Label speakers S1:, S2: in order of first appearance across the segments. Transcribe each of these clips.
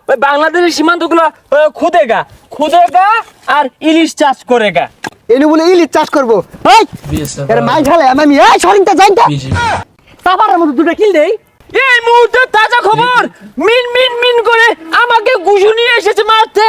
S1: ওই বাংলাদেশের সীমান্তগুলো খুদেগা খুদেগা আর ইলিশ চাষ করেগা।
S2: এনে বলে ইলিশ চাষ করবো। এই এর মাই ঝালে আমি এই সরিংটা যাইতা সাবারের মতো দুটো কিল দেই।
S1: এই মুহূর্তে তাজা খবর, মিন মিন মিন করে আমাকে গুজু নিয়ে এসেছে মারতে।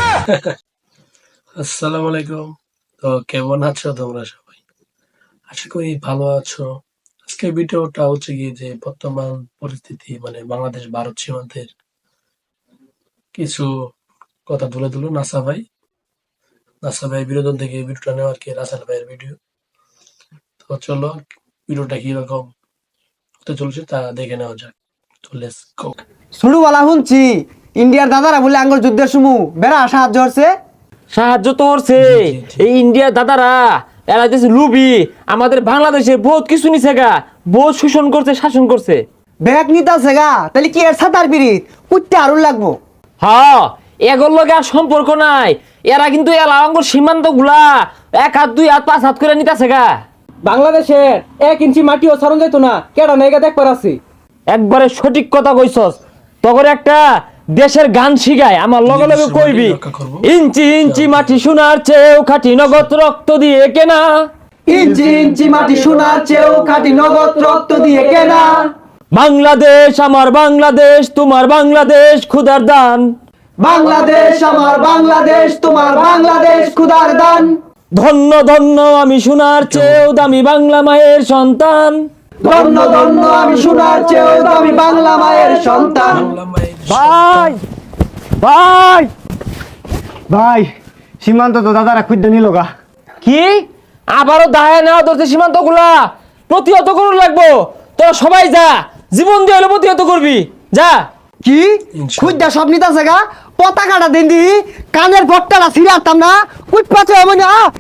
S3: আসসালামু আলাইকুম। তো কেমন আছো তোমরা সবাই? আশা করি ভালো আছো। আজকে ভিডিওটা হচ্ছে গিয়ে যে বর্তমান পরিস্থিতি মানে বাংলাদেশ ভারত সীমান্তের কিছু কথা তুলে তুলো নাসা ভাই বিনোদন থেকে ভিডিওটা নেওয়া আর কি, রাসেল ভাইয়ের ভিডিও। তো চলো ভিডিওটা কিরকম হতে চলছে তা দেখে নেওয়া যাক। তো লেটস গো।
S2: শুরুওয়ালা শুনছি ইন্ডিয়ার দাদারা বলে আঙ্গুর যুদ্ধের সময় বেড়া সাহায্য হচ্ছে।
S1: সাহায্য তো করছে এই ইন্ডিয়ার দাদারা, এরা দেশে লুবি আমাদের বাংলাদেশে বহুত কিছু নিছে গা, বহুত শোষণ করছে, শাসন করছে।
S2: ব্যাগ নিতাছে গা, তাহলে কি এর সাতার পিরিত কুটতে আরুল লাগবো।
S1: হ্যাঁ, এগুলোর লগে আর সম্পর্ক নাই। এরা কিন্তু এলাকার সীমান্ত গুলা 1 হাত 2 হাত 5 হাত করে নিতেছে গা।
S4: বাংলাদেশের 1 ইঞ্চি মাটিও সরণ যাইতো না, কেডা নাইগা দেখবার আছে।
S1: একবারে সঠিক কথা কইছস। তখন একটা দেশের গান শিখায়, আমার লগে লগে কইবি, ইঞ্চি ইঞ্চি মাটি সোনার চেয়েও খাঁটি নগদ রক্ত দিয়ে কেনা।
S2: ইঞ্চি ইঞ্চি মাটি সোনার চেয়েও খাঁটি নগদ রক্ত দিয়ে কেনা।
S1: বাংলাদেশ আমার বাংলাদেশ, তোমার বাংলাদেশ খুদার দান।
S2: বাংলাদেশ আমার বাংলাদেশ, তোমার বাংলাদেশ খুদার দান।
S1: ধন্য ধন্য আমি সোনার চেয়েও দামি বাংলা মায়ের সন্তান।
S2: ধন্য ধন্য আমি সোনার চেয়েও দামি বাংলা মায়ের সন্তান।
S1: ভাই ভাই
S2: ভাই সীমান্ত তো দাদারা খুঁজতে নিল গা।
S1: কি আবারও দায় নেওয়া ধরছে সীমান্ত গুলা, প্রতিহত করুন লাগবো। তোরা সবাই যা, জীবন দিয়ে হলে প্রতিহত করবি, যা।
S2: কি খুঁজতে সব নিতাছে গা, পতাকাটা দিন দি কানের ভট্টাটা ছিঁড়াতাম না কুট পাচ্ছে এমন।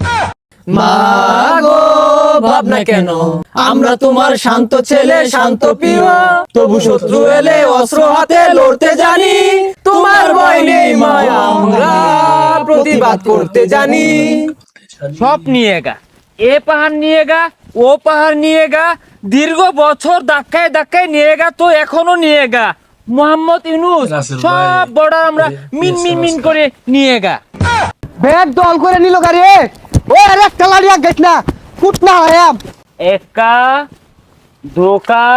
S4: মাগো ভাবনা কেন, আমরা তোমার শান্ত ছেলে শান্ত প্রিয়, তবু শত্রু এলে অস্ত্র হাতে লড়তে জানি। তোমার ভয় নেই মা, আমরা প্রতিবাদ করতে জানি।
S1: সব নিয়ে গা, এ পাহাড় নিয়ে গা, ও পাহাড় নিয়ে গা, দীর্ঘ বছর ধাক্কায় ধাক্কায় নিয়ে গা, তো এখনো নিয়ে গা। মোহাম্মদ ইউনূস সব বর্ডার আমরা মিন মিন মিন করে নিয়ে গা।
S2: ব্যাগ দল করে নিল গাড়ি। ও আরে একটা লাড়িয়া গেছ না কুট না আয়াম।
S1: একা ধোকা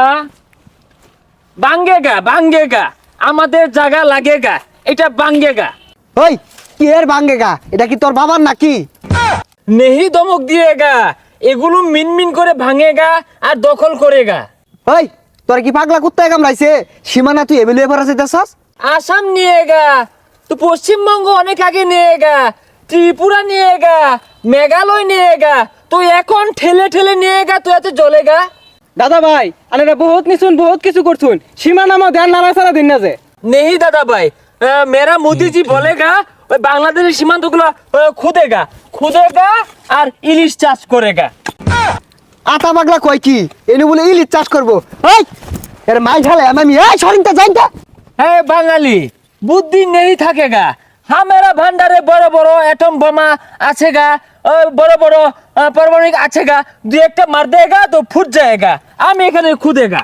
S1: বাঙ্গেগা আমাদের জায়গা লাগেগা, এটা বাঙ্গেগা।
S2: ওই কি এর ভাঙ্গেগা, এটা কি তোর বাবার নাকি?
S1: নেহি দমক দিয়েগা, এগুলো মিন মিন করে ভাঙেগা আর দখল করেগা।
S2: ওই তোর কি পাগলা কুত্তায় কামড়াইছে? সীমানা তুই এবেলে এবার আছে দেশাস?
S1: আসাম নিয়েগা, তো পশ্চিমবঙ্গ অনেক আগে নিয়েগা, ত্রিপুরা নিয়েগা, মেঘালয় নিয়েগা, তো এখন ঠেলে ঠেলে নিয়েগা, তো এত জ্বলেগা।
S4: দাদা ভাই আনেরা বহুত নিছুন, বহুত কিছু করছুন, সীমানা মা ধ্যান নাড়া ছাড়া দিন না যে।
S1: নেহি দাদা ভাই, মেরা মোদিজি বলেগা ওই বাংলাদেশের সীমান্তগুলো খুদেগা আর ইলিশ চাষ করেগা।
S2: আতা পাগলা কয় কি এনে বলে ইলিশ চাষ করবো। ওই এর মাই ঝালে আমি এই সরিংটা যাইতা।
S1: হ্যাঁ বাঙালি বুদ্ধি নেই থাকেগা। হামেরা ভান্ডারে বড় বড় অ্যাটম বোমা আছেগা, বড় বড় পারমাণবিক আছেগা, 2-1টা মার দেগা তো ফুট যায়গা। আমি এখানে খুদেগা।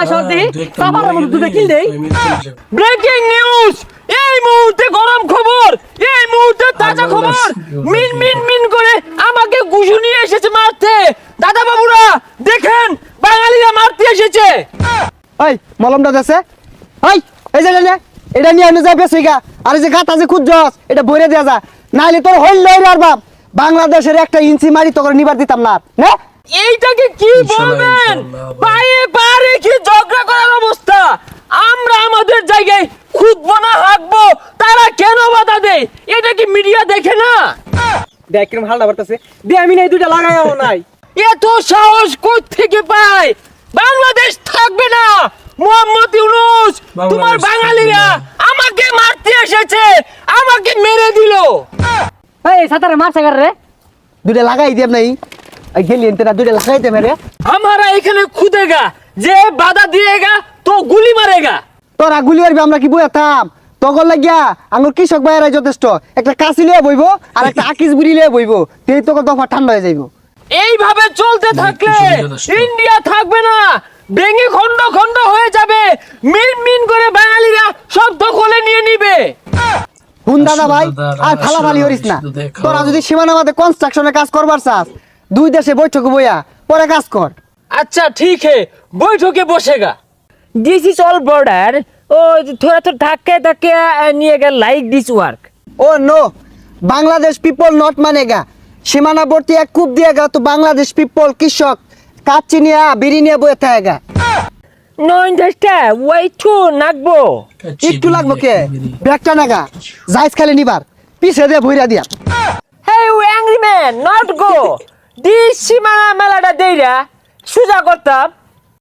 S1: ব্রেকিং নিউজ, এই মুহূর্তে গরম খবর, এই মুহূর্তে তাজা খবর, মিন মিন মিন করে আমাকে গুজু নিয়ে এসেছে মারতে। দাদা বাবুরা দেখেন, বাঙালিরা মারতে এসেছে।
S2: ওই মলমটা দেশে ওই এই যে নে এটা নিয়ে এনে যাবে সেইগা। আর এই যে গাতা যে খুঁজছস এটা ভরে দেয়া যা, নাইলে তোর হইল লই আর বাপ বাংলাদেশের 1 ইঞ্চি মারি তোকে নিবার দিতাম না। না
S1: এইটাকে কি বলবেন? পায়ে পা রেখে ঝগড়া করার অবস্থা। আমরা আমাদের জায়গায় খুঁজবো না হাঁকবো, তারা কেন বাধা দেয়? এটা কি মিডিয়া দেখে না?
S4: দেখ কিরম হালটা বাড়তেছে, দে আমি নাই দুইটা লাগাইও নাই।
S1: এত সাহস কোথ থেকে পায়? বাংলাদেশ থাকবে না। মোহাম্মদ ইউনূস, তোমার বাঙালিরা আমাকে মারতে এসেছে, আমাকে মেরে দিল।
S4: এই সাতারে মারছে গার রে,
S2: দুইটা লাগাই দেব নাই গেলি এনতেরা দুইটা লাগাই দে মেরে।
S1: हमारा এখানে খুদেগা, যে বাধা দিয়েগা তো গুলি মারেগা।
S2: তোরা গুলি মারবি, আমরা কি বইতাম? তখন লাগিয়া আমার কৃষক ভাইয়েরা যথেষ্ট, একটা কাশি লিয়ে বইব আর একটা আকিস বুড়ি লিয়ে বইব, তেই তোকে দফা ঠান্ডা হয়ে যাইব।
S1: এইভাবে চলতে থাকলে ইন্ডিয়া থাকবে না। ভেঙে খন্ড খন্ড হয়ে যাবে, মিন মিন করে বাঙালিরা সব দখলে নিয়ে নিবে।
S2: হুন দাদা ভাই,
S3: দাদা,
S2: আর ফালাফালি করিস না।
S3: শুধু দেখো।
S2: তোরা যদি সীমানা মাঝে কনস্ট্রাকশনে কাজ করবার চাস, দুই দেশে বৈঠক বইয়া পরে কাজ কর।
S1: अच्छा ठीक है, बैठके बसेगा। This is all border. ओ थोड़ा तो धक्के धक्के निएगा like this work.
S2: Oh no, Bangladesh people not মানেগা। সীমানাবর্তী এক কূপ দিয়েগা তো বাংলাদেশ পিপল কৃষক কাচ্চি নিয়ে বিড়ি নিয়ে বয়ে থাকেগা।
S1: नो अंडरस्टैंड, वेट टू नागबो।
S2: একটু লাগবো কে ব্যাগটা নাগা যাইস খালি নিবার পিছে দিয়ে ভইরা দিয়া।
S1: Hey you angry man, not go. This Shimana melada deira, সুজা করতাম